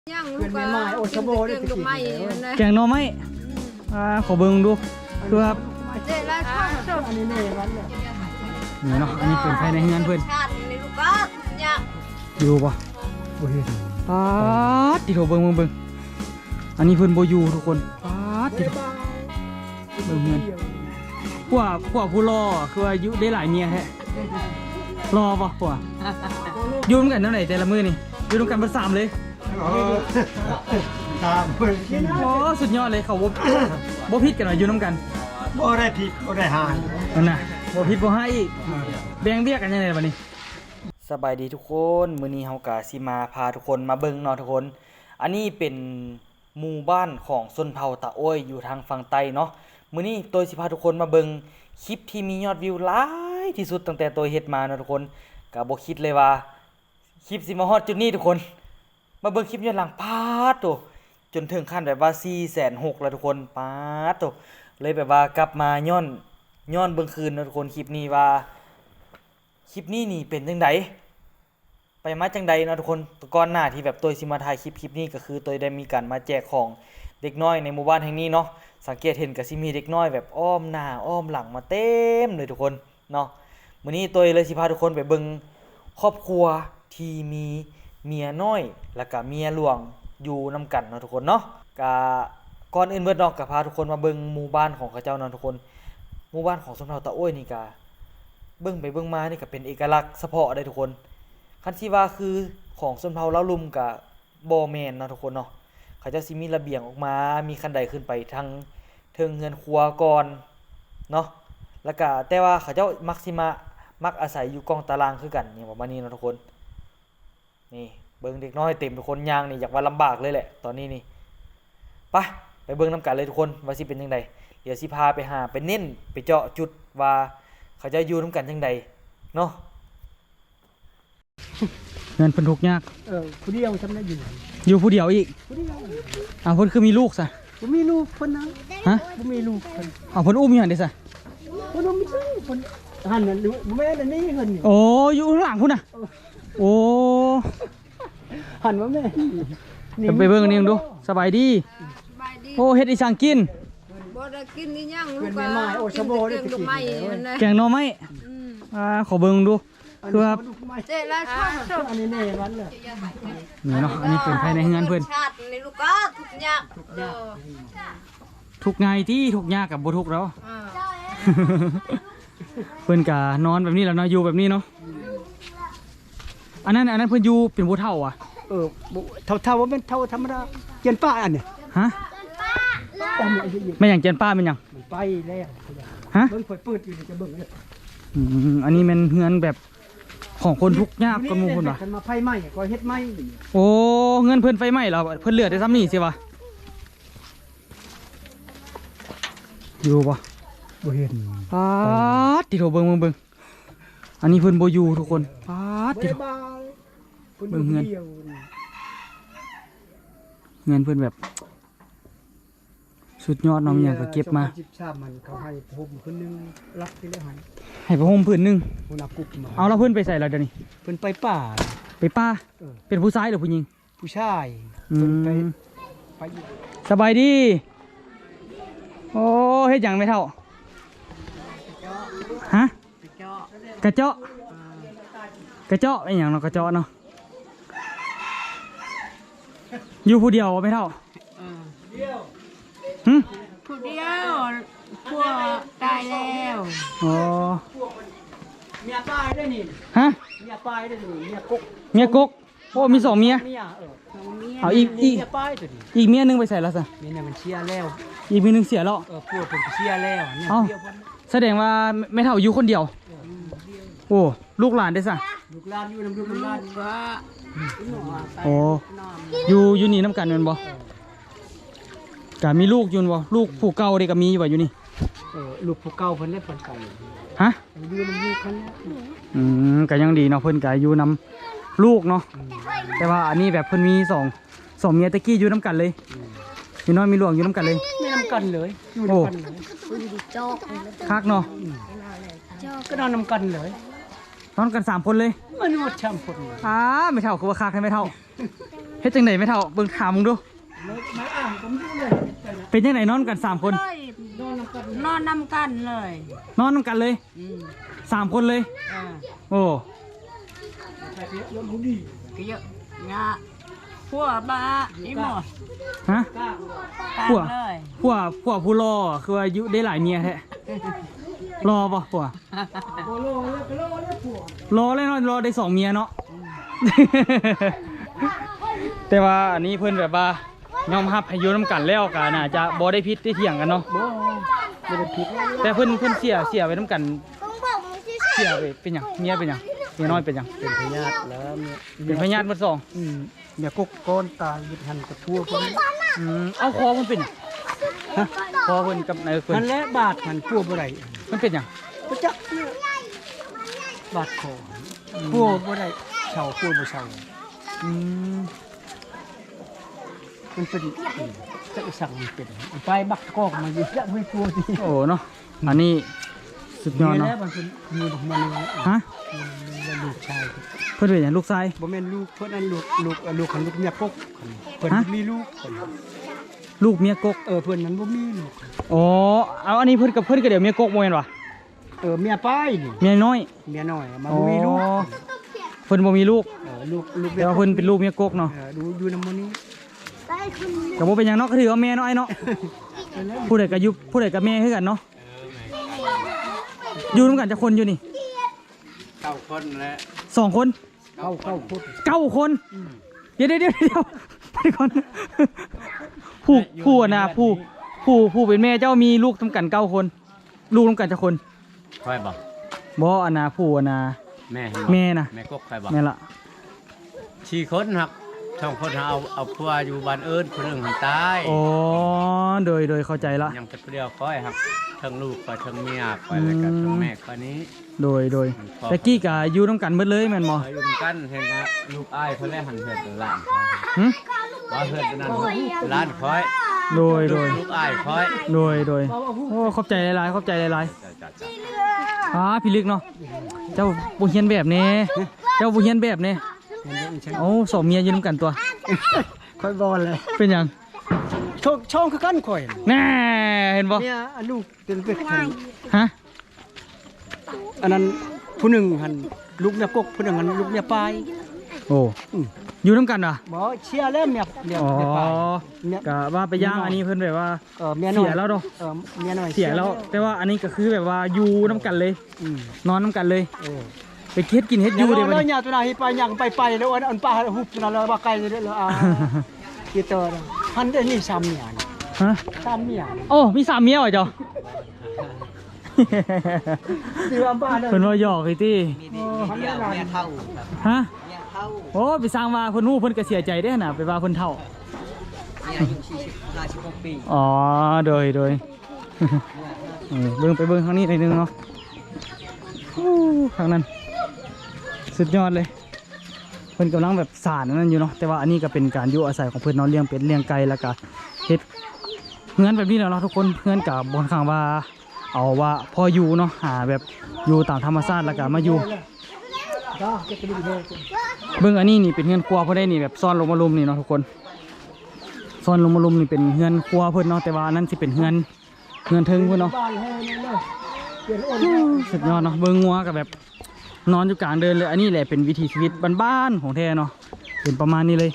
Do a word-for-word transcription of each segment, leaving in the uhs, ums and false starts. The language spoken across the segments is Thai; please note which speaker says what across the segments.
Speaker 1: ย่างลูกไม้โอชโบได้ลูกไม้
Speaker 2: แกงหน่อไม้อ่าขอเบิ่งดูคือครับ
Speaker 1: เจ๊ละชอบชอบอันนี้เนี่ยวันเนี่ย
Speaker 2: นี่เนาะอันนี้เป็นภายในเฮือนเพิ่น
Speaker 1: ชาติในลูกบ้านเนี่ย
Speaker 2: อยู่ป่ะบ่เห็นป๊าดติโถเบิ่งเบิ่งเบิ่งอันนี้เพิ่นบ่อยู่ทุกคนป๊าดติโถเบิ่งเฮือนพวกพวกผู้รอคืออายุได้หลายเมียแท้รอป่ะพวกอยู่ร่วมกันเท่าไหร่แต่ละมื้อนี่อยู่ร่วมกันเบิดสามเลย
Speaker 3: ตามเพื่อนกิน
Speaker 2: โอ้สุดยอดเลยเขาบ่บ่ผิดกันหน่อยอยู่ร่วมกัน
Speaker 3: บ่ได้ผิดบ่ได้หาย
Speaker 2: นั่นน่ะบ่ผิดบ่ให้อีกแบ่งเบี้ยกันยังไงบัดนี้สบายดีทุกคนมื้อนี้เฮาก็สิมาพาทุกคนมาเบิ่งเนาะทุกคนอันนี้เป็นหมู่บ้านของชนเผ่าตะโอ้ยอยู่ทางฝั่งใต้เนาะมื้อนี้ตัวสิพาทุกคนมาเบิ่งคลิปที่มียอดวิวหลายที่สุดตั้งแต่ตัวเฮ็ดมาเนาะทุกคนก็บ่คิดเลยว่าคลิปสิมาฮอดจุดนี้ทุกคนมาเบิ่งคลิปย้อนหลังปาดโตจนถึงขั้นแบบว่า สี่แสนหกพัน แล้วทุกคนปาดโตเลยแบบว่ากลับมาย้อนย้อนเบิ่งคืนเนาะทุกคนคลิปนี้ว่าคลิปนี้นี่เป็นจังไดไปมาจังใดเนาะทุกคนก่อนหน้าที่แบบตัวสิมาถ่ายคลิปคลิปนี้ก็คือตัวได้มีการมาแจกของเด็กน้อยในหมู่บ้านแห่งนี้เนาะสังเกตเห็นก็สิมีเด็กน้อยแบบอ้อมหน้าอ้อมหลังมาเต็มเลยทุกคนเนาะมื้อนี้ตัวเลยสิพาทุกคนไปเบิ่งครอบครัวที่มีเมียน้อยแล้วก็เมียหลวงอยู่นำกันเนาะทุกคนเนาะก็ก่อนอื่นเบิดเนาะก็พาทุกคนมาเบิ่งหมู่บ้านของเขาเจ้าเนาะทุกคนหมู่บ้านของชนเผ่าตะโอ้ยนี่ก็เบิ่งไปเบิ่งมานี่ก็เป็นเอกลักษณ์เฉพาะได้ทุกคนคันที่ว่าคือของชนเผ่าเล่าลุมกับบ่แม่นเนาะทุกคนเนาะเขาเจ้าสิมีระเบียงออกมามีคันไดขึ้นไปทางเทิงเรือนครัวก่อนเนาะแล้วก็แต่ว่าเขาเจ้ามักสิมามักอาศัยอยู่กองตารางคือกันอย่างประมาณนี้เนาะทุกคนนี่เบิ่งเด็กน้อยเต็มทุกคนย่างนี่อยากว่าลำบากเลยแหละตอนนี้นี่ไปไปเบิ่งนํกันเลยทุกคนว่าสิเป็นจังไดเดี๋ยวสิพาไปหาไปเน้นไปเจาะจุดว่าเขาจะอยู่นํกันจังไดเนาะเงินเพิ่นทุกข์ยาก
Speaker 3: เออผู้เดียวทำได้อยู่
Speaker 2: อยู่ผู้เดียวอีก
Speaker 3: ผู้เดียว
Speaker 2: อ้าวเพิ่นคือมีลูกซะ
Speaker 3: บ่มีลูกเพิ่นนะ
Speaker 2: ฮะ
Speaker 3: บ่มีลูกเพิ่น
Speaker 2: อ้าวเพิ่นอุ้มอยู่หั่นเด้ซะ
Speaker 3: เพิ่นบ่มีลูกเพิ่นหันน่ะบ่แม่นอันนี้เพิ่นนี่
Speaker 2: โอ้อยู่ข้างหลังพุ่นน่ะโอ้
Speaker 3: หันว่าแม่นี่
Speaker 2: ไปเบิ่งอันนี้ดูสบายดี
Speaker 1: สบายดี
Speaker 2: โอ้เฮ็ดอีสังกิน
Speaker 1: บ่ได้กินนี่ย่างลู
Speaker 3: เพิ่
Speaker 1: ก
Speaker 3: น
Speaker 1: บ้า
Speaker 3: ไม้โอชโบได้
Speaker 1: กินลูกไม้นั่น
Speaker 2: แกงหน่อไม้อ่าขอเบิ่งดูคือว่า
Speaker 1: เจ๊ละชอบชอบ
Speaker 3: อันนี้เนี่ยวันเลย
Speaker 2: นี่เนาะอันนี้เป็นภายในเฮือนเพิ่น
Speaker 1: ชาติในลูกบ้านทุกอย่างเออ
Speaker 2: ทุกไงที่ทุกยากกับบ่ทุกแล้ว
Speaker 1: เออ
Speaker 2: เพิ่นก็นอนแบบนี้แล้วเนาะอยู่แบบนี้เนาะอันนั้นอันนั้นเพิ่นอยู่เป็นผู้เฒ่าอ่ะ
Speaker 3: เออเท่าเท่าว่าเป็นเท่าธรรมดาเกียนป้าอันเนี่ย
Speaker 2: ฮะ
Speaker 3: ป้ามันอายุยืน
Speaker 2: แม่หยังเจนป้าเป็นหยัง
Speaker 3: มันไปแล้ว
Speaker 2: ฮะ
Speaker 3: เบิ่งเปิดเปิดอยู่จะเบิ่งเลย
Speaker 2: อืมอันนี้แม่นเฮือนแบบของคนทุกข์ยากคนหมู่พุ่นว่ะ
Speaker 3: กันมาไฟไหม้ก็เฮ็ดไหม้
Speaker 2: โอ้เงินเพิ่นไฟไหม้แล้วเพิ่นเหลือได้ซ้ำนี่สิวะอยู่บ่
Speaker 3: บ่เห็น
Speaker 2: ปาดติโถเบิ่งเบิ่งเบิ่งอันนี้เพิ่นบ่อยู่ทุกคนปาดติโถ
Speaker 3: บาย
Speaker 2: เบิ่งเงิน เงินเพิ่นแบบ สุดยอดเน้องหยังก็เก็บมา
Speaker 3: สิบสามมันเขาให้ผมคนนึงรับที่แล้วให้
Speaker 2: ให้ผ้าห่มผืนหนึง
Speaker 3: หัวหน้ากุ๊กมา
Speaker 2: เอาแล้วเพิ่นไปใส่แล้วเดี๋ยวนี้
Speaker 3: เพิ่นไปป่า
Speaker 2: ไปป้า
Speaker 3: เออ
Speaker 2: เป็นผู้ชายหรือผู้หญิง
Speaker 3: ผู้ชาย
Speaker 2: อื
Speaker 3: เพิ่นไป
Speaker 2: ม
Speaker 3: ไปอยู่
Speaker 2: สบายดีโอ้เฮ็ดหยังไม่เท่าฮะกระเจาะกระเจาะไอ้หยังเนาะกระเจาะเนาะอยู่ผู้เดียวไม่เท่าหึ
Speaker 1: ผู้เดียวพวกตายแล้ว
Speaker 2: อ๋อ
Speaker 3: เมียป้ายได้นี่
Speaker 2: ฮะ
Speaker 3: เมียป้ายได้นี่เมียกุ๊ก
Speaker 2: เมียกกโอ้มีสองเมีย
Speaker 3: เมียเออ
Speaker 2: เอาอีกอีก
Speaker 3: เมียป้ายตัวนี้
Speaker 2: อีกเมียหนึงไปใส่แล้วซะ
Speaker 3: เมียเนี่ยมันเชียร์แล้ว
Speaker 2: อีกเมียหนึงเสียแล้ว
Speaker 3: เออพวกเพิ่นก็เชียร์แล้วเนี่ย
Speaker 2: เอ้า
Speaker 3: เดียวเพิ่น
Speaker 2: แสดงว่าไม่เท่าอยู่คนเดียว โอ้ลูกหลานได้ซะ
Speaker 3: ลูกหลานอยู่นำลูกนำหลาน
Speaker 1: ก็
Speaker 2: โอ้อยู่อยู่นี่น้ำกันแม่นบ่กะมีลูกอยู่บ่ลูกผู้เก่าเด้ก็มีอยู่บ่อยู่นี่
Speaker 3: เออลูกผู้เก่าเพิ่นได้เพิ่นไป
Speaker 2: ฮะ
Speaker 3: อยู่นำลูกเพิ่นแล้ว
Speaker 2: อืมก็ยังดีเนาะเพิ่นก็อยู่นำลูกเนาะแต่ว่าอันนี้แบบเพิ่นมีสองสองเมียตะกี้อยู่น้ำกันเลยมีน้อยมีหลวงอยู่น้ำกันเลย
Speaker 3: ไม่นำกันเลยอยู่
Speaker 2: โอ้
Speaker 3: นำกันเลย
Speaker 2: คักเนาะ
Speaker 3: ก็นอนนำกันเลย
Speaker 2: นอนกันสามคนเลย
Speaker 3: มันหมดช่ำคนเลย
Speaker 2: อ้าไม่เท่าคือว่าคักให้ไม่เท่าเฮ็ดจังได๋แม่เฒ่าเบิ่งถามมึงดู
Speaker 3: ไม่อ่านผมดูเลย
Speaker 2: เป็นจังไดนอนกันสามคน
Speaker 1: เลยนอนนำกันเลย
Speaker 2: นอนนำกันเลย
Speaker 1: อืม
Speaker 2: สามคนเลย
Speaker 1: เออ
Speaker 2: โอ้
Speaker 1: ก็เยอะงะพวกบ้าอีหมด
Speaker 2: ฮะ
Speaker 1: กัน
Speaker 2: พวก
Speaker 1: เลย
Speaker 2: พวกพวกผู้รอคืออายุได้หลายเมียแท้รอป่ะพวก
Speaker 3: โอ้โหแล้วก็โลแล้วผัว
Speaker 2: รอเลยเนาะรอได้สองเมียเนาะ แต่ว่าอันนี้เพิ่นแบบว่ายอมรับให้อยู่นํกันแล้วก็น่าจะบ่ได้ผิดได้เถียงกันเนาะ
Speaker 3: บ่ไม่ได้ผิด
Speaker 2: แต่เพิ่นเพิ่นเสียเสียไปนํกันเสียไปเป็นหยังเมียเป็นหยังเมียน้อยเป็นหยัง
Speaker 3: เป็นพยาธิแล้วเนี่ย
Speaker 2: เป็นพญาติหมดสอง
Speaker 3: อืมเนี่ยกกก้อนตายยึดหันกระทั่วคน
Speaker 2: อืมเอาคอมันเป็นหยังฮะคอเพิ่นกับนายเพิ่
Speaker 3: มัน นและบาดหันพัวบ่ได้
Speaker 2: มันเป็นหยัง
Speaker 3: บ่จักเนี่ยบาดคอพัวบ่ได้เช่าพัวบ่เช่า
Speaker 2: อืม
Speaker 3: มันเป็นจะสั่งมันเป็นไปบักกอกมาอยู่จะไม่พัวที
Speaker 2: โอ้เนาะอันนี้สุดยอด
Speaker 3: มี
Speaker 2: เนาะ
Speaker 3: แล้วมันเป็นมีดอกมัน
Speaker 2: ฮะ
Speaker 3: มันลูกชาย
Speaker 2: เพิ่นเป็นหยังลูกชาย
Speaker 3: บ่แม่นลูกเพิ่นนั่นลูกลูกลูกของลูกเมียกกเพิ่น
Speaker 2: ฮะ
Speaker 3: มีลูกเพิ่น
Speaker 2: ลูกเมียกก
Speaker 3: เออเพิ่นนั้นบ่มีลูก
Speaker 2: อ๋อเอาอันนี้เพิ่นกับเพิ่นก็เดี๋ยวเมียกกบ่แม่นวะ
Speaker 3: เออเมียป้ายนี่
Speaker 2: เมียน้อย
Speaker 3: เมียน้อยมัน
Speaker 2: อ๋อ
Speaker 3: บ่มีลูก
Speaker 2: เพิ่นบ่มีลูก
Speaker 3: เออลูกลูก
Speaker 2: แต่ว่าเพิ่นเป็นลูกเมียกกเนาะ
Speaker 3: เออดูอยู่นำมื้อนี้
Speaker 2: ก็บ่เป็นหยังเนาะก็ถือว่าแม่น้อยเนาะผู้ใดก็อยู่ผู้ใดก็แม่คือกันเนาะอยู่นํกันจักคนอยู่นี่
Speaker 3: เก้าคนแล้ว
Speaker 2: สองคน
Speaker 3: เก้าเก้าคน
Speaker 2: เก้าคนเดี๋ยวเดี๋ยวเดี๋ยวเดี๋ยวไปก่อนผู้ผู้อะนะผู้ผู้ผู้เป็นแม่เจ้ามีลูกทำกันเก้าคน ลูกทำกันจักคน
Speaker 4: คอยบอก
Speaker 2: บ่อะนะผู้อะนะ
Speaker 4: แม่
Speaker 2: แม่น่ะ
Speaker 4: แม่กกคอยบอก
Speaker 2: แม่ละ
Speaker 4: ชีคนหักช่องคนเอาเอาพัวอยู่บ้านเอิญคนหนึ่งหันตาย
Speaker 2: อ๋อโดยโดยเข้าใจละ
Speaker 4: ยังเป็นเดียวคอยครับทั้งลูกคอยทั้งเมียคอยแล้วก็ทั้งแม่คอยนี้
Speaker 2: โดยโดยแต่กี้กะอยู่น้ำกันหมดเลยแม่นบ่
Speaker 4: คอยอยู่ด้วยกันเห็นครับลูกอ้ายคนแรกหันเหินเป็นหลาน
Speaker 2: หึ
Speaker 4: ว่าเหินเป็นนั่นหลานคอย
Speaker 2: โดยโดย
Speaker 4: ลูกอ้ายคอย
Speaker 2: โดยโดยโอ้ขอบใจหลายๆขอบใจหลาย
Speaker 4: จ้ะจ้ะจ้ะ
Speaker 2: ๆอ่าพี่ลึกเนาะเจ้าบ่เฮียนแบบนี้เจ้าบ่เฮียนแบบนี้โอ้สองเมียอยู่น้ำกันตัว
Speaker 3: ค่อยบอลเลย
Speaker 2: เป็นหยัง
Speaker 3: ช่องช่องคือกันข่อย
Speaker 2: แน่เห็นบ่
Speaker 3: เนี่ยอันลูกเป็นเป็ดหัน
Speaker 2: ฮะ
Speaker 3: อันนั้นผู้หนึ่งหันลูกเมียกกผู้หนึ่งหันลูกเมียปลาย
Speaker 2: โอ้
Speaker 3: อืม
Speaker 2: อยู่น้ำกันเหรอ
Speaker 3: บ่เชียร์แล้วเมียเมีย
Speaker 2: อ๋อ
Speaker 3: เมียปลายเมีย
Speaker 2: กะว่าไปย่างอันนี้เพิ่นแบบว่า
Speaker 3: เออเมียน้อย
Speaker 2: เสียแล้วเนอะ
Speaker 3: เออเมียน้อย
Speaker 2: เสียแล้ว แต่ว่าอันนี้ก็คือแบบว่าอยู่น้ำกันเลย
Speaker 3: อืม
Speaker 2: นอนน้ำกันเลย
Speaker 3: เออ
Speaker 2: ไปเฮ็ดกินเฮ็ดอยู่เดี๋ยว
Speaker 3: แล้
Speaker 2: บัด
Speaker 3: ว
Speaker 2: นี้
Speaker 3: เนี่ยตัวไหนไปยังไปไปแล้วอันอันป้าฮุบตัวนั้นแล้วว่าไกลเลยแล้วอ่ากี่ตัวหันได้นี่ซ้ำเนี่ย
Speaker 2: ฮะ
Speaker 3: ซ้ำเนี่ย
Speaker 2: โอ้มีสามเมียเหรอจ๊อ
Speaker 3: เดือบ้านเลย
Speaker 2: เพิ่นว่าหยอกไอ้ตี้
Speaker 3: หันได้นาน
Speaker 2: ฮะโอ้ไปสร้างว่าเพิ่นฮู้เพิ่นก็เสียใจเด้อน่ะไปว่าเพิ่นเฒ่า
Speaker 5: นี่อายุสี่สิบห้าสิบหกปี
Speaker 2: อ๋อโดยโดย เออเบิ่งไปเบิ่งข้างนี้หน่อยหนึงเนาะโอ้ข้างนั้นสุดยอดเลยเพิ่นกำลังแบบสานอันนั้นอยู่เนาะแต่ว่าอันนี้ก็เป็นการอยู่อาศัยของเพิ่นเนาะเลี้ยงเป็ดเลี้ยงไก่แล้วก็เฮ็ดเฮือนแบบนี้แหล้วเนาะทุกคนเฮือนกับบนข้างว่า เอาว่าพออยู่เนาะหาแบบอยู่ตามธรรมชาติแล้วก็มาอยู่
Speaker 3: จ้าจะไปดูเลย
Speaker 2: เบิ่งอันนี้นี่เป็นเฮือนครัวเพิ่นได้นี่แบบซ่อนลงมาลุมนี่เนาะทุกคนซ่อนลงมาลุมนี่เป็นเฮือนครัวเพิ่นเนาะแต่ว่าอันนั้นสิเป็นเฮือนเฮือนเทิงเพิ่นเนาะ
Speaker 3: บ้านให้นั่นเลยเปลี่ยนอ้น
Speaker 2: สุดยอดเนาะเบิ่งงัวกับแบบนอนอยู่กลางเดินเลยอันนี้แหละเป็นวิถีชีวิตบ้านๆของแท้เนาะเป็นประมาณนี้เลย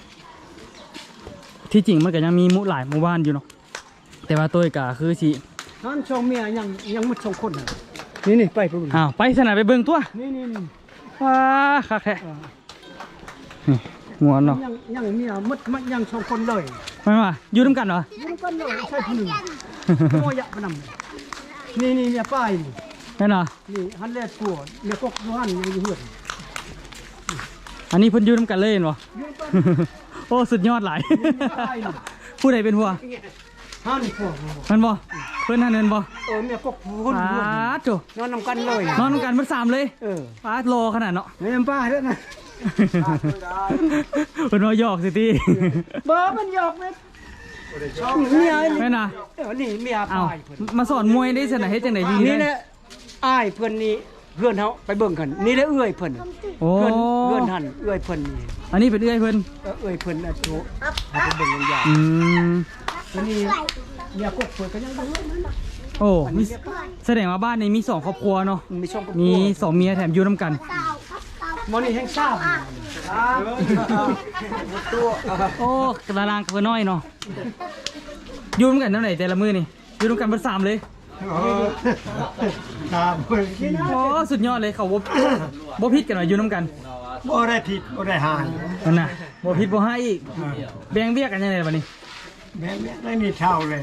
Speaker 2: ที่จริงมันก็ยังมีหมู่หลายหมู่บ้านอยู่เนาะแต่ว่าตัวก็คือสิ
Speaker 3: ท่านชองเมียยังยังมุดชองคนน่ะนี่นี่ไปพุ่น
Speaker 2: อ้าวไปสนามไปเบิ่งตัว
Speaker 3: นี่นี่นี่
Speaker 2: ว้าคักแท้นี่งัวเนาะ
Speaker 3: ยังยังเมียมุดมันยังชองคนเลย
Speaker 2: ไม่ว่าอยู่นํกันเหรอ
Speaker 3: ยังกันเลยใช่ผู้หนึ่งโมยะพนำนี่นี่เมียป้ายนี่
Speaker 2: แม่นเหรอ
Speaker 3: นี่ฮันแลปัวเมียกกยูฮันยังอยู่เหือน
Speaker 2: อันนี้เพิ่นอยู่นํกันเลยเห็นบ่
Speaker 3: ยังกัน
Speaker 2: โอ้สุดยอดหลาย
Speaker 3: ป้ายนี่
Speaker 2: ผู้ใดเป็นหัว
Speaker 3: ฮันปัว
Speaker 2: มันบ่เพิ่นหันเงินบ่
Speaker 3: เออเมียกกหุ่น
Speaker 2: ปา
Speaker 3: หุ่น
Speaker 2: ดโจ
Speaker 3: นอนนำกันเลย
Speaker 2: นอนนำกันเบิดสามเลย
Speaker 3: เออ
Speaker 2: ปาดโลขนาดเนาะ
Speaker 3: เมียป้าเด้อนะ
Speaker 2: เพิ่นว่าหยอกสิติ
Speaker 3: บ่มันหยอกเลยเมีย
Speaker 2: แม่นน่ะ
Speaker 3: เออนี่เมีย
Speaker 2: เอ้า
Speaker 3: ป้ายเพิ่น
Speaker 2: มาสอนมวยได้สนะเฮ็ดจังได๋ดี
Speaker 3: นี่แหละอ้ายเพิ่นนี่เพื่อนเขาไปเบิ่งกันนี่ได้เอื้อยเพิ่น
Speaker 2: โอ้
Speaker 3: เพื่อนเพื่อนหันเอื้อยเพิ่นนี่
Speaker 2: อันนี้เป็นเอื้อยเพิ่น
Speaker 3: เออเอื้อยเพิ่นอ่ะโตเอาไปเบิ่งกันอย่าง
Speaker 2: อืม
Speaker 3: อันนี้เนี่ยกบเพิ่นก็ยังอยู่นั่นน่ะ
Speaker 2: โอ้มีแสดงว่าบ้านนี้มีสองครอบครัวเนาะ
Speaker 3: มันมีช่องกับ
Speaker 2: มีสองเมียแถมอยู่นํกัน
Speaker 3: มอนี่แห้งทราบ
Speaker 2: โอ้กระลางกระน้อยเนาะอยู่นํกันเท่าไหร่แต่ละมื้อนี่อยู่นํกันเบิดสามเลย
Speaker 3: ตามเพิ่นกิน
Speaker 2: โอ้สุดยอดเลยเขาบ่ บ่ผิดกันว่าอยู่นํกัน
Speaker 3: บ่ได้ผิดบ่ได้หาย
Speaker 2: นั่นน่ะบ่ผิดบ่ให้อีกแบ่งเบี้ยกันยังไงบัดนี้
Speaker 3: แม่ไม่มีเท่าเลย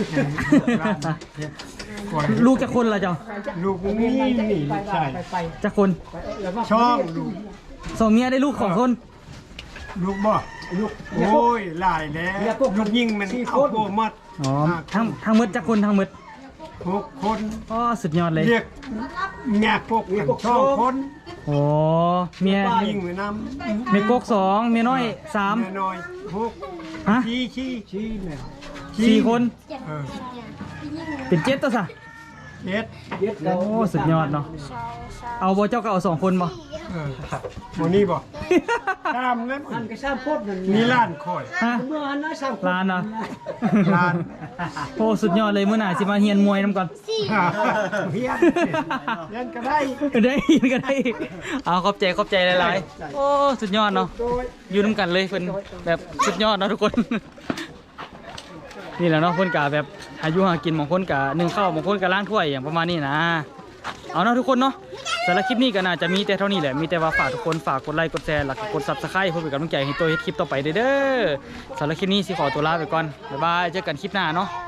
Speaker 2: ลูกจักคนล่ะเจ้า
Speaker 3: ลูกนี่นี่ใช่
Speaker 2: จักคน
Speaker 3: ช่องลูก
Speaker 2: สองเมียได้ลูกของคน
Speaker 3: ลูกบ่ลูกโอ้ยหลายแล้วลูกยิงมันเอาโบมัด
Speaker 2: อ๋อทั้งทั้งหมดจักคนทั้งหมด
Speaker 3: หกคน
Speaker 2: อ๋อสุดยอดเลย
Speaker 3: เรียกแง่พวกกันช่องคน
Speaker 2: โอ้เมีย
Speaker 3: ยิงไว้น้ำ
Speaker 2: เมียกกสองเมียน้อยสาม
Speaker 3: แม่น้อยหก
Speaker 2: ฮะ
Speaker 3: ชี้ชี้ชี้แม่
Speaker 2: สี่คน
Speaker 3: เออ
Speaker 2: เป็นเจ็ดตัวซะ
Speaker 3: เจ็ด
Speaker 2: โอ้สุดยอดเนาะเอาบ่เจ้าก็เอาสองคนบ่
Speaker 3: เออโมนี่บ่ตามเงินอันก็สร้างพดนั่นมีล้านคอย
Speaker 2: ฮะ
Speaker 3: เมื่ออันนั้นสร้าง
Speaker 2: ลานเนาะ
Speaker 3: ล้าน
Speaker 2: โอ้สุดยอดเลยมื้อหน้าสิมาเฮียนมวยนํก่อน
Speaker 3: เฮียนเฮียนก็ได้
Speaker 2: ได้ยินก็ได้เอาขอบใจขอบใจหลายๆโอ้สุดยอดเนาะอยู่นํกันเลยเพิ่นแบบสุดยอดเนาะทุกคน นี่แหละเนาะเพิ่นกะแบบอายุหากินบางคนกะนึ่งข้าวบางคนกะล้างถ้วยอย่างประมาณนี้นะเอาเนาะทุกคนเนาะสำหรับคลิปนี้ก็น่าจะมีแต่เท่านี้แหละมีแต่ว่าฝากทุกคนฝากกดไลค์กดแชร์แล้วก็กด ซับสไครบ์ เพื่อเป็นกำลังใจให้ตัวเฮ็ดคลิปต่อไปเด้อสำหรับคลิปนี้สิขอตัวลาไปก่อนบ๊ายบายเจอกันคลิปหน้าเนาะ